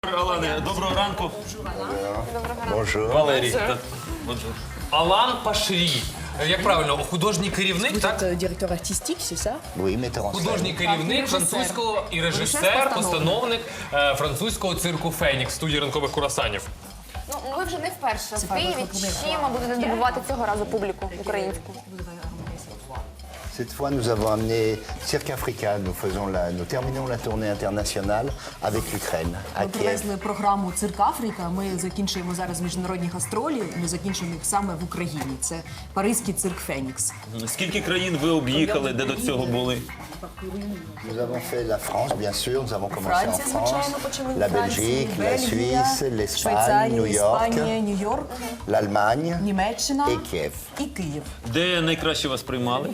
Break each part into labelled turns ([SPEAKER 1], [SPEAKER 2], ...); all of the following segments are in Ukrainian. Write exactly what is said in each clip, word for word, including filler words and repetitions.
[SPEAKER 1] Алане, доброго ранку.
[SPEAKER 2] Bonjour.
[SPEAKER 1] Валерій. Алан Пашрі. Як правильно, художній керівник,
[SPEAKER 3] Vous
[SPEAKER 1] так?
[SPEAKER 3] êtes euh, directeur artistique, c'est ça?
[SPEAKER 2] Oui, metteur en scène.
[SPEAKER 1] Художній керівник французького і режисер, постановник е, французького цирку «Фенікс» студії ранкових курасанів.
[SPEAKER 4] Ну, ви вже не вперше в Києві. Чим будете здобувати цього разу публіку українську?
[SPEAKER 2] Cette fois, nous avons amené Cirque Africa. Nous, faisons la, nous terminons la tournée internationale avec l'Ukraine, à
[SPEAKER 3] Ми
[SPEAKER 2] Kiev.
[SPEAKER 3] привезли програму «Цирк Африка». Ми закінчуємо зараз міжнародні гастролі. Ми закінчуємо їх саме в Україні. Це паризький цирк «Фенікс».
[SPEAKER 1] Скільки країн ви об'їхали, де до цього були?
[SPEAKER 2] Nous avons fait la France, bien sûr. Nous avons commencé en
[SPEAKER 3] Франція,
[SPEAKER 2] France,
[SPEAKER 3] звичайно, почали
[SPEAKER 2] la
[SPEAKER 3] в Франції,
[SPEAKER 2] Belgique, la
[SPEAKER 3] Бельгія,
[SPEAKER 2] Suisse, l'Espagne,
[SPEAKER 3] Швейцарія,
[SPEAKER 2] New York,
[SPEAKER 3] Іспанія, Нью-Йорк,
[SPEAKER 2] l'Allemagne
[SPEAKER 3] Німеччина
[SPEAKER 2] et Kiev.
[SPEAKER 3] і Київ.
[SPEAKER 1] Де найкраще вас приймали?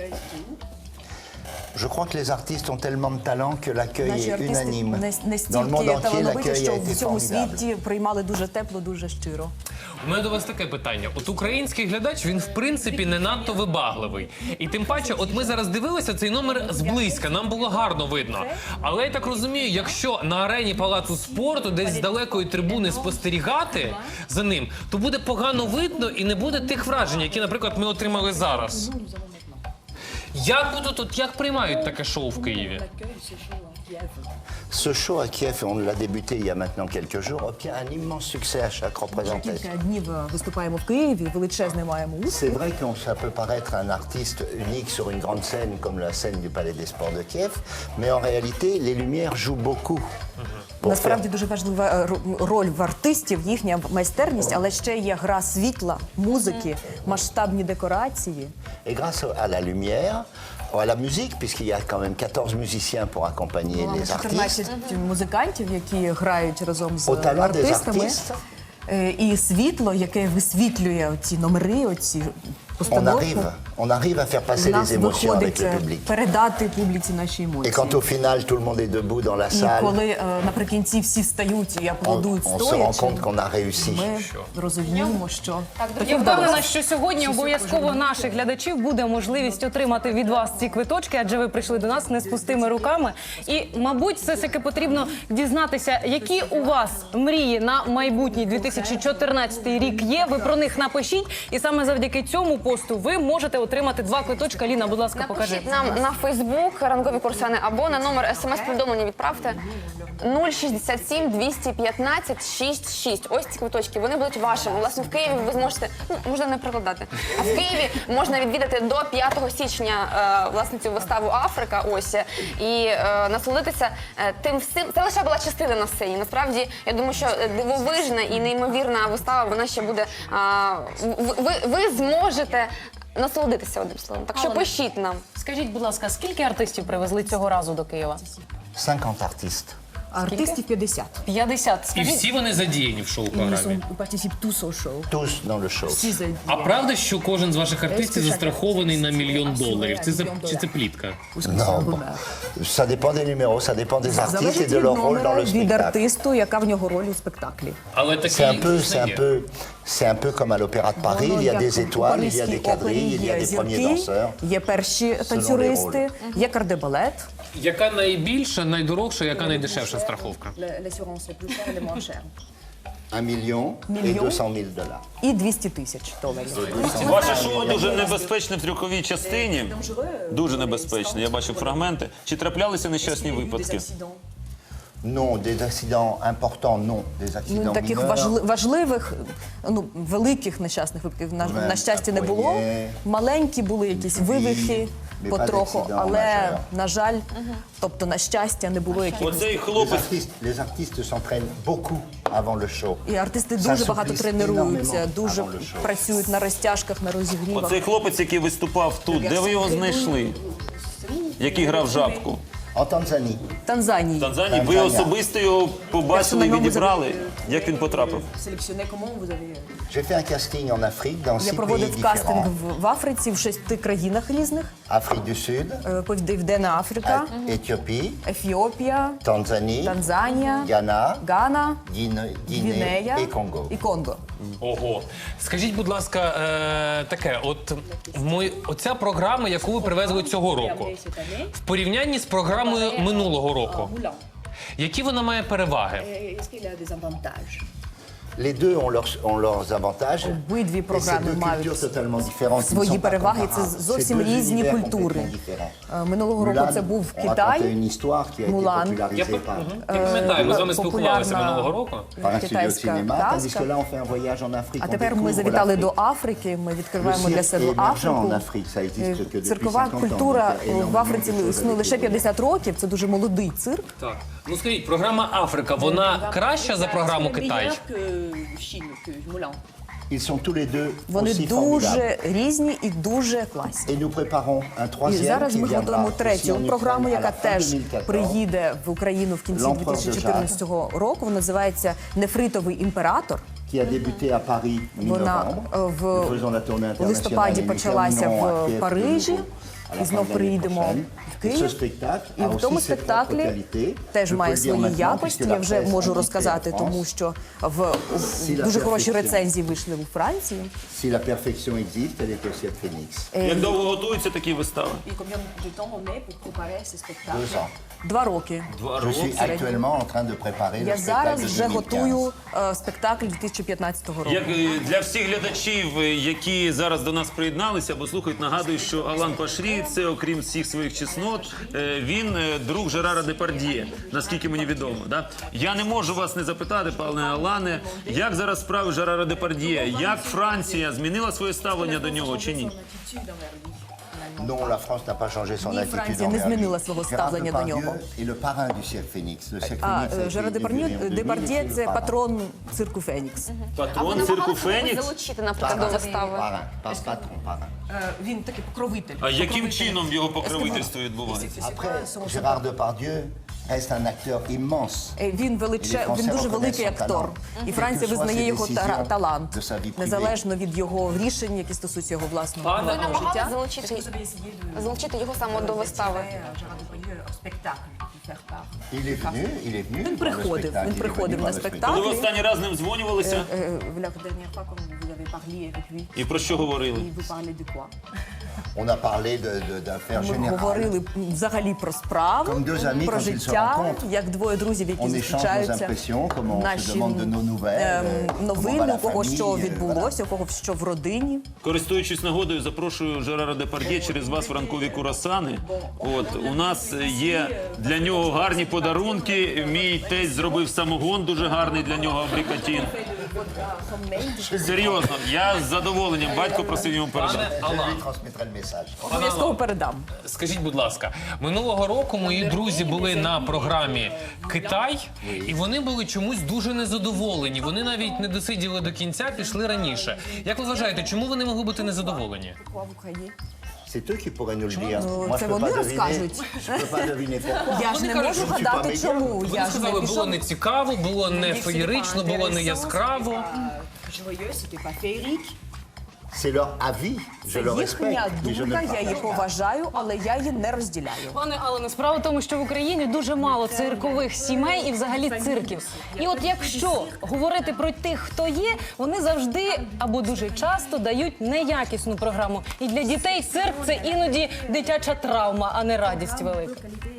[SPEAKER 2] Je crois que les artistes ont tellement de talent que l'accueil
[SPEAKER 3] Наші
[SPEAKER 2] est
[SPEAKER 3] артисти
[SPEAKER 2] unanime.
[SPEAKER 3] нас-
[SPEAKER 2] Dans le monde
[SPEAKER 3] настільки
[SPEAKER 2] entier,
[SPEAKER 3] талановиті,
[SPEAKER 2] l'accueil
[SPEAKER 3] що
[SPEAKER 2] a
[SPEAKER 3] в
[SPEAKER 2] été
[SPEAKER 3] всьому
[SPEAKER 2] formidable.
[SPEAKER 3] світі приймали дуже тепло, дуже щиро.
[SPEAKER 1] У мене до вас таке питання. От український глядач, він в принципі не надто вибагливий. І тим паче, от ми зараз дивилися цей номер зблизька, нам було гарно видно. Але я так розумію, якщо на арені Палацу спорту десь з далекої трибуни спостерігати за ним, то буде погано видно і не буде тих вражень, які, наприклад, ми отримали зараз. Як будуть, от як приймають таке шоу в Києві?
[SPEAKER 2] Ce show à Kiev, on l'a débuté il y a maintenant quelques jours, obtient un immense succès à chaque représentation.
[SPEAKER 3] Кілька днів е, виступаємо в Києві, величезний маємо
[SPEAKER 2] C'est
[SPEAKER 3] успіх.
[SPEAKER 2] vrai que ça peut paraître un artiste unique sur une grande scène comme la scène du Palais des Sports de Kiev, mais en réalité, les lumières jouent beaucoup. Pour
[SPEAKER 3] Насправді
[SPEAKER 2] faire-
[SPEAKER 3] дуже важлива е, ро- роль в артистів, їхня майстерність, але ще є гра світла, музики, масштабні декорації.
[SPEAKER 2] Et grâce à la lumière, à la musique, puisqu'il y a quand même quatorze musiciens pour accompagner
[SPEAKER 3] Маємо
[SPEAKER 2] les artistes,
[SPEAKER 3] чотирнадцять музикантів, які грають разом з
[SPEAKER 2] Au talent des
[SPEAKER 3] артистами.
[SPEAKER 2] artistes.
[SPEAKER 3] Е, І світло, яке висвітлює ці номери, оці
[SPEAKER 2] on
[SPEAKER 3] постановки.
[SPEAKER 2] arrive, on arrive à faire passer
[SPEAKER 3] У нас
[SPEAKER 2] les émotions avec
[SPEAKER 3] виходить
[SPEAKER 2] le
[SPEAKER 3] е,
[SPEAKER 2] public.
[SPEAKER 3] передати публіці наші
[SPEAKER 2] Et
[SPEAKER 3] емоції.
[SPEAKER 2] quand au final, tout le monde est debout dans la
[SPEAKER 3] І
[SPEAKER 2] salle,
[SPEAKER 3] коли е, наприкінці всі встають і
[SPEAKER 2] on,
[SPEAKER 3] аплодують
[SPEAKER 2] on se rend
[SPEAKER 3] стоячи,
[SPEAKER 2] compte qu'on a réussi.
[SPEAKER 3] ми розуміємо, що таке
[SPEAKER 5] Я
[SPEAKER 3] вдалося.
[SPEAKER 5] впевнена, що сьогодні обов'язково наших глядачів буде можливість отримати від вас ці квиточки, адже ви прийшли до нас не з пустими руками. І, мабуть, все ж таки потрібно дізнатися, які у вас мрії на майбутній дві тисячі чотирнадцятий рік є. Ви про них напишіть, і саме завдяки цьому посту ви можете отримати два квиточка. Ліна, будь ласка, покажи.
[SPEAKER 4] Напишіть нам на Фейсбук ранкові курсани або на номер смс-повідомлення відправте нуль шістдесят сім двісті п'ятнадцять шістдесят шість. Ось ці квиточки, вони будуть вашими. Власне, в Києві ви зможете, ну, можна не прикладати, а в Києві можна відвідати до п'ятого січня е, власне цю виставу «Африка», ось, і е, насолодитися е, тим всім. Це лише була частина на сцені. Насправді, я думаю, що дивовижна і неймовірна вистава, вона ще буде, а, ви, ви, ви зможете насолодитися одним словом. Так що
[SPEAKER 5] Алане,
[SPEAKER 4] пишіть нам.
[SPEAKER 5] Скажіть, будь ласка, скільки артистів привезли цього разу до Києва?
[SPEAKER 2] cinquante artistes.
[SPEAKER 3] А артистів п'ятдесят.
[SPEAKER 5] п'ятдесят.
[SPEAKER 1] І
[SPEAKER 5] Скажіть,
[SPEAKER 1] всі вони задіяні в
[SPEAKER 3] І
[SPEAKER 1] шоу-програмі.
[SPEAKER 3] партicipe tous au show.
[SPEAKER 2] Tous dans le show.
[SPEAKER 3] Всі задіяні.
[SPEAKER 1] А правда, що кожен з ваших артистів застрахований на мільйон доларів? Це за- чи це плітка?
[SPEAKER 2] Non, bon. Ça dépend des numéros, ça dépend des artistes et
[SPEAKER 3] Залежить
[SPEAKER 2] de
[SPEAKER 3] від
[SPEAKER 2] leur rôle dans
[SPEAKER 3] номера,
[SPEAKER 2] le
[SPEAKER 3] від
[SPEAKER 2] spectacle.
[SPEAKER 3] артисту, яка в нього роль у спектаклі.
[SPEAKER 1] Але
[SPEAKER 2] C'est
[SPEAKER 1] такий
[SPEAKER 2] un peu, c'est un
[SPEAKER 1] є.
[SPEAKER 2] peu, c'est un peu comme à l'Opéra de Paris. Il y a des étoiles, il y a des quadrilles, il y a des premiers danseurs.
[SPEAKER 3] Є перші танцюристи, є кардебалет.
[SPEAKER 1] Яка найбільша, найдорожча, яка найдешевша страховка?
[SPEAKER 2] Un million et
[SPEAKER 3] Million.
[SPEAKER 2] deux cent mille dollars.
[SPEAKER 3] І двісті тисяч доларів.
[SPEAKER 6] Ваше шоу дуже небезпечне в трюковій частині. Дуже небезпечне. Я бачив фрагменти. Чи траплялися нещасні випадки?
[SPEAKER 2] Non, des accidents importants, non. Des
[SPEAKER 3] Ну,
[SPEAKER 2] accidents
[SPEAKER 3] таких
[SPEAKER 2] mineurs.
[SPEAKER 3] важли- важливих, ну, великих нещасних випадків, на,
[SPEAKER 2] Буває,
[SPEAKER 3] на щастя, не
[SPEAKER 2] так,
[SPEAKER 3] було.
[SPEAKER 2] є.
[SPEAKER 3] Маленькі були якісь вивихи
[SPEAKER 2] Mais pas
[SPEAKER 3] потроху,
[SPEAKER 2] d'accident
[SPEAKER 3] але,
[SPEAKER 2] majeur.
[SPEAKER 3] на жаль, тобто, на щастя, не було якихось.
[SPEAKER 6] Оцей
[SPEAKER 2] Les
[SPEAKER 6] хлопець.
[SPEAKER 2] artistes, les artistes s'entraînent beaucoup avant le show.
[SPEAKER 3] І артисти
[SPEAKER 2] Ça
[SPEAKER 3] дуже багато
[SPEAKER 2] souffle
[SPEAKER 3] тренуються,
[SPEAKER 2] énormément
[SPEAKER 3] дуже
[SPEAKER 2] avant le show.
[SPEAKER 3] працюють на розтяжках, на розігрівах.
[SPEAKER 6] Оцей хлопець, який виступав тут, де ви його знайшли? Який грав жабку?
[SPEAKER 2] En Tanzanie,
[SPEAKER 3] Танзанії.
[SPEAKER 6] В Танзанії. Ви
[SPEAKER 2] Танзанія.
[SPEAKER 6] особисто його побачили і відібрали? Як він потрапив?
[SPEAKER 2] j'ai fait un casting en Afrique dans
[SPEAKER 3] Я
[SPEAKER 2] six pays
[SPEAKER 3] проводив кастинг
[SPEAKER 2] différents.
[SPEAKER 3] в, в Африці, в шести країнах різних.
[SPEAKER 2] Afrique du Sud,
[SPEAKER 3] Е, Південна Африка,
[SPEAKER 2] Éthiopie,
[SPEAKER 3] Ефіопія,
[SPEAKER 2] Tanzanie,
[SPEAKER 3] Танзанія,
[SPEAKER 2] Ghana,
[SPEAKER 3] Гана,
[SPEAKER 2] Guinée, Guinée
[SPEAKER 3] Гвінея
[SPEAKER 2] et Congo.
[SPEAKER 3] і Конго.
[SPEAKER 1] Ого. Скажіть, будь ласка, е, таке, от в мої, оця програма, яку ви привезли цього року, в порівнянні з програмою минулого року, Які вона має переваги?
[SPEAKER 3] Est-ce qu'il a des avantages?
[SPEAKER 2] Les deux ont leurs, ont leurs avantages.
[SPEAKER 3] Обидві
[SPEAKER 2] Et ces
[SPEAKER 3] програми
[SPEAKER 2] deux
[SPEAKER 3] мають
[SPEAKER 2] cultures totalement différentes. qui ne
[SPEAKER 3] свої
[SPEAKER 2] sont pas
[SPEAKER 3] переваги. Це
[SPEAKER 2] comparables.
[SPEAKER 3] зовсім
[SPEAKER 2] C'est deux
[SPEAKER 3] різні
[SPEAKER 2] univers
[SPEAKER 3] культури.
[SPEAKER 2] complètement différents.
[SPEAKER 3] Е, Минулого року
[SPEAKER 2] Mulan,
[SPEAKER 3] це був
[SPEAKER 2] on racontait
[SPEAKER 3] Китай,
[SPEAKER 2] une histoire qui a été
[SPEAKER 3] Мулан.
[SPEAKER 1] Я,
[SPEAKER 2] popularisée
[SPEAKER 1] пи-
[SPEAKER 2] par,
[SPEAKER 1] Мгм. Я пам'ятаю, ми з вами спілкувалися
[SPEAKER 3] популярна
[SPEAKER 1] минулого року.
[SPEAKER 2] par un studio de
[SPEAKER 3] китайська
[SPEAKER 2] cinéma, tandis que
[SPEAKER 3] казка.
[SPEAKER 2] là on fait un voyage en Afrique.
[SPEAKER 3] А
[SPEAKER 2] on
[SPEAKER 3] тепер ми
[SPEAKER 2] découvre
[SPEAKER 3] завітали до
[SPEAKER 2] l'Afrique.
[SPEAKER 3] Африки. Ми відкриваємо
[SPEAKER 2] Le
[SPEAKER 3] для
[SPEAKER 2] cirque
[SPEAKER 3] себе
[SPEAKER 2] est émergent
[SPEAKER 3] Африку.
[SPEAKER 2] en Afrique, ça existe que
[SPEAKER 3] Е,
[SPEAKER 2] depuis
[SPEAKER 3] Циркова
[SPEAKER 2] cinquante ans.
[SPEAKER 3] культура
[SPEAKER 2] donc il y a
[SPEAKER 3] в
[SPEAKER 2] énormément
[SPEAKER 3] Африці
[SPEAKER 2] de choses à
[SPEAKER 3] існує лише
[SPEAKER 2] découvrir.
[SPEAKER 3] п'ятдесят років. Це дуже молодий цирк.
[SPEAKER 1] Так. Ну скажіть, програма Африка, вона краща за програму Китай?
[SPEAKER 2] Ils sont tous les deux
[SPEAKER 3] Вони
[SPEAKER 2] aussi formidables.
[SPEAKER 3] дуже різні і дуже класні.
[SPEAKER 2] Et nous préparons un
[SPEAKER 3] І
[SPEAKER 2] troisième
[SPEAKER 3] зараз
[SPEAKER 2] qui
[SPEAKER 3] ми
[SPEAKER 2] viendra
[SPEAKER 3] готуємо
[SPEAKER 2] aussi
[SPEAKER 3] третю
[SPEAKER 2] en
[SPEAKER 3] програму,
[SPEAKER 2] Ukraine à
[SPEAKER 3] яка
[SPEAKER 2] la fin
[SPEAKER 3] теж
[SPEAKER 2] deux mille quatorze.
[SPEAKER 3] приїде в Україну в кінці
[SPEAKER 2] L'Empereur
[SPEAKER 3] дві тисячі чотирнадцятого року. Вона називається Нефритовий імператор.
[SPEAKER 2] qui a débuté à Paris
[SPEAKER 3] Вона
[SPEAKER 2] mi-novembre.
[SPEAKER 3] е,
[SPEAKER 2] Nous
[SPEAKER 3] в
[SPEAKER 2] faisons la tournée
[SPEAKER 3] у листопаді
[SPEAKER 2] internationale et nous
[SPEAKER 3] почалася
[SPEAKER 2] terminerons à
[SPEAKER 3] в
[SPEAKER 2] Kiev
[SPEAKER 3] Парижі.
[SPEAKER 2] de nouveau à la
[SPEAKER 3] І знов
[SPEAKER 2] fin de l'année
[SPEAKER 3] приїдемо
[SPEAKER 2] prochaine.
[SPEAKER 3] в
[SPEAKER 2] Et
[SPEAKER 3] Київ.
[SPEAKER 2] ce spectacle
[SPEAKER 3] І
[SPEAKER 2] a
[SPEAKER 3] в тому
[SPEAKER 2] aussi ses propres
[SPEAKER 3] спектаклі
[SPEAKER 2] qualités.
[SPEAKER 3] теж
[SPEAKER 2] Je peux
[SPEAKER 3] має
[SPEAKER 2] le dire
[SPEAKER 3] свої
[SPEAKER 2] maintenant,
[SPEAKER 3] якості.
[SPEAKER 2] puisque
[SPEAKER 3] Я
[SPEAKER 2] la
[SPEAKER 3] вже
[SPEAKER 2] presse
[SPEAKER 3] можу
[SPEAKER 2] indique
[SPEAKER 3] розказати,
[SPEAKER 2] en France,
[SPEAKER 3] тому що в у-
[SPEAKER 2] Si la
[SPEAKER 3] дуже хороші
[SPEAKER 2] perfection.
[SPEAKER 3] рецензії вийшли у Франції.
[SPEAKER 2] Si la perfection existe, elle est aussi à Phoenix.
[SPEAKER 6] Як довго готуються такі вистави?
[SPEAKER 2] Deux ans.
[SPEAKER 3] Два роки.
[SPEAKER 2] Je suis actuellement en train de préparer le
[SPEAKER 3] Я зараз
[SPEAKER 2] spectacle de
[SPEAKER 3] вже
[SPEAKER 2] deux mille
[SPEAKER 3] готую
[SPEAKER 2] quinze.
[SPEAKER 3] е, спектакль дві тисячі п'ятнадцятого року.
[SPEAKER 6] Як е, для всіх глядачів, е, які зараз до нас приєдналися або слухають, нагадую, що Алан Пашрі – це, окрім всіх своїх чеснот, е, він е, друг Жерара Депардьє, наскільки мені відомо. Да? Я не можу вас не запитати, пане Алане, як зараз справи Жерара Депардьє? Як Франція змінила своє ставлення до нього чи ні?
[SPEAKER 2] Non, la France n'a pas changé son
[SPEAKER 3] Ні,
[SPEAKER 2] attitude
[SPEAKER 3] Франція не
[SPEAKER 2] envers
[SPEAKER 3] змінила
[SPEAKER 2] lui.
[SPEAKER 3] свого
[SPEAKER 2] Gérard
[SPEAKER 3] ставлення до
[SPEAKER 2] Depardieu
[SPEAKER 3] нього.
[SPEAKER 2] est le parrain du cirque Phoenix. Le cirque
[SPEAKER 3] А
[SPEAKER 2] Phoenix a été
[SPEAKER 3] Жерар
[SPEAKER 2] inauguré en deux mille,
[SPEAKER 3] Депардьє
[SPEAKER 2] et c'est
[SPEAKER 3] це
[SPEAKER 2] le parrain.
[SPEAKER 3] патрон цирку Фенікс.
[SPEAKER 4] А ви
[SPEAKER 6] Патрон цирку
[SPEAKER 4] намагалися когось
[SPEAKER 6] Фенікс?
[SPEAKER 4] залучити, наприклад, до вистави?
[SPEAKER 2] Parrain, pas patron, parrain.
[SPEAKER 3] Він такий покровитель.
[SPEAKER 6] А яким чином його покровительство відбувається?
[SPEAKER 2] Après, Gérard Depardieu reste un acteur immense.
[SPEAKER 3] Е, Він величе, він дуже великий актор, і Франція визнає його та- талант, незалежно від його рішень, які стосуються його власного
[SPEAKER 1] Пане-
[SPEAKER 4] Ви
[SPEAKER 3] приватного
[SPEAKER 4] намагалися
[SPEAKER 3] життя.
[SPEAKER 4] залучити, залучити його саме до вистави?
[SPEAKER 2] Il est venu, il est venu.
[SPEAKER 3] Він
[SPEAKER 2] voir le
[SPEAKER 3] приходив,
[SPEAKER 2] spectacle,
[SPEAKER 3] він
[SPEAKER 2] il est
[SPEAKER 3] приходив
[SPEAKER 2] venu
[SPEAKER 3] на
[SPEAKER 2] voir le
[SPEAKER 6] Коли ви
[SPEAKER 3] спектаклі.
[SPEAKER 6] останній раз з ним дзвонювалися
[SPEAKER 3] Е, в la dernière fois, quand vous avez parlé avec lui,
[SPEAKER 6] і про що говорили?
[SPEAKER 3] et vous parlez de quoi?
[SPEAKER 2] spectacle. On a parlé de- de- d'affaires
[SPEAKER 3] Ми
[SPEAKER 2] générales.
[SPEAKER 3] говорили взагалі про справу,
[SPEAKER 2] Comme deux amis,
[SPEAKER 3] про
[SPEAKER 2] quand ils se
[SPEAKER 3] життя,
[SPEAKER 2] rencontrent.
[SPEAKER 3] як двоє друзів, які
[SPEAKER 2] On échange nos
[SPEAKER 3] зустрічаються.
[SPEAKER 2] impressions, comment on se
[SPEAKER 3] Наші
[SPEAKER 2] demande de nos nouvelles,
[SPEAKER 3] ем,
[SPEAKER 2] euh, comment va
[SPEAKER 3] новини,
[SPEAKER 2] la
[SPEAKER 3] у кого
[SPEAKER 2] famille,
[SPEAKER 3] що
[SPEAKER 2] euh,
[SPEAKER 3] відбулося, у кого що в родині.
[SPEAKER 6] Користуючись нагодою, запрошую Жерара Депардьє через вас в ранкові курасани. От у нас є для нього гарні подарунки. Мій тесть зробив самогон, дуже гарний для нього абрикатін. Серйозно, я з задоволенням. Батько просив йому передати.
[SPEAKER 1] Пане Алан,
[SPEAKER 2] Je lui transmettrai le message.
[SPEAKER 3] Обов'язково передам.
[SPEAKER 1] скажіть, будь ласка, минулого року мої друзі були на програмі Китай, і вони були чомусь дуже незадоволені. Вони навіть не досиділи до кінця, пішли раніше. Як ви вважаєте, чому вони могли бути незадоволені?
[SPEAKER 2] C'est eux qui pourraient nous le dire.
[SPEAKER 3] Ну,
[SPEAKER 2] Moi,
[SPEAKER 3] це
[SPEAKER 2] je peux
[SPEAKER 3] вони
[SPEAKER 2] pas deviner.
[SPEAKER 3] розкажуть.
[SPEAKER 2] Je peux pas deviner pourquoi.
[SPEAKER 3] Я ж не можу
[SPEAKER 2] кажуть,
[SPEAKER 3] гадати,
[SPEAKER 2] що
[SPEAKER 3] чому.
[SPEAKER 1] Вони
[SPEAKER 3] Я ж не
[SPEAKER 1] сказали, було
[SPEAKER 3] пішов.
[SPEAKER 1] не цікаво, було не феєрично, було не яскраво.
[SPEAKER 2] C'est leur avis, je le
[SPEAKER 3] Їхня
[SPEAKER 2] respecte, mais je ne
[SPEAKER 3] думка, я
[SPEAKER 2] partage
[SPEAKER 3] її
[SPEAKER 2] pas.
[SPEAKER 3] поважаю, але я її не розділяю.
[SPEAKER 5] Пане Алане, справа в тому, що в Україні дуже мало циркових сімей і взагалі цирків. І от якщо говорити про тих, хто є, вони завжди або дуже часто дають неякісну програму. І для дітей цирк – це іноді дитяча травма, а не радість велика.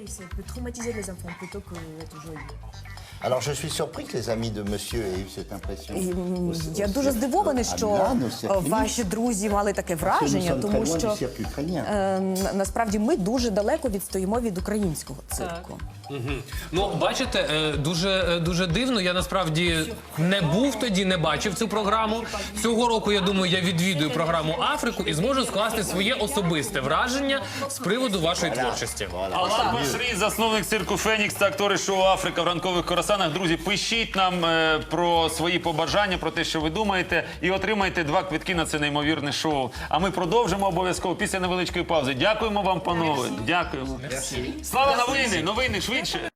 [SPEAKER 2] Alors je suis surpris que les amis de monsieur aient eu cette impression.
[SPEAKER 3] І, м,
[SPEAKER 2] Au-
[SPEAKER 3] Я
[SPEAKER 2] au
[SPEAKER 3] дуже
[SPEAKER 2] cirque-
[SPEAKER 3] здивований,
[SPEAKER 2] à
[SPEAKER 3] що
[SPEAKER 2] Milan, au
[SPEAKER 3] е,
[SPEAKER 2] cirque
[SPEAKER 3] ваші
[SPEAKER 2] Phoenix.
[SPEAKER 3] друзі мали таке
[SPEAKER 2] Nous
[SPEAKER 3] враження,
[SPEAKER 2] sommes
[SPEAKER 3] тому
[SPEAKER 2] très loin
[SPEAKER 3] що
[SPEAKER 2] du cirque ukrainien.
[SPEAKER 3] е, н- насправді ми дуже далеко відстоїмо від українського цирку.
[SPEAKER 1] Ну, бачите, е, дуже, е, дуже дивно. Я насправді не був тоді, не бачив цю програму. Цього року, я думаю, я відвідую програму Африку і зможу скласти своє особисте враження з приводу вашої творчості.
[SPEAKER 6] Алан Пашрі, засновник цирку Фенікс та актори шоу Африка в ранкових коросанах. Друзі, пишіть нам е, про свої побажання, про те, що ви думаєте, і отримайте два квитки на це неймовірне шоу. А ми продовжимо обов'язково після невеличкої паузи. Дякуємо вам, панове. Дякуємо. Слава новини! Новини швидше!